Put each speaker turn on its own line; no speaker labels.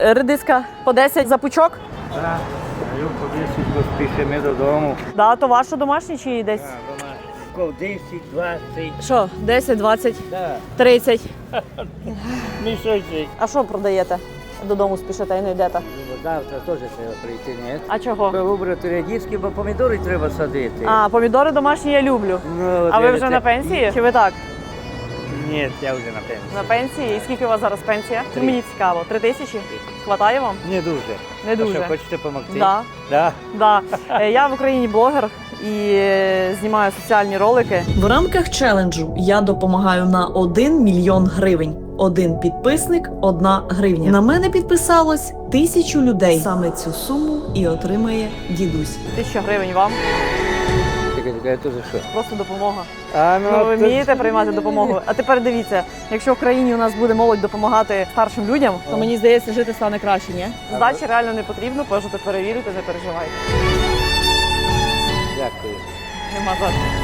Редиска по 10 за пучок?
Так, а повісить, бо спішимо додому.
Да, то ваше домашнє чи десь?
Ков 10, 20.
Що, 10, 20,
Так,
30.
мішочок.
А що продаєте? Додому спішите і не йдете.
Завтра теж треба прийти, ні?
А чого?
Вибрати редиски, бо помідори треба садити.
А, помідори домашні я люблю.
Ну,
А ви вже на пенсії? Чи ви так?
Ні, я вже на пенсії.
На пенсії? І скільки у вас зараз пенсія?
Три.
Мені цікаво. 3 тисячі? Хватає вам?
Не дуже.
Не дуже.
А що, хочете допомогти?
Да.
Да.
Да. Я в Україні блогер і знімаю соціальні ролики. В рамках челенджу я допомагаю на 1 мільйон гривень. 1 підписник, 1 гривня. На мене підписалось 1000 людей. Саме цю суму і отримає дідусь. 1000 гривень вам.
Чекай, то за що?
Просто допомога.
А,
Ну, ви
то-
вмієте приймати допомогу. А тепер дивіться, якщо в країні у нас буде молодь допомагати старшим людям, то мені здається, жити стане краще, ні? Здачі реально не потрібно, можете перевірити, не переживайте.
Дякую.
Нема за що.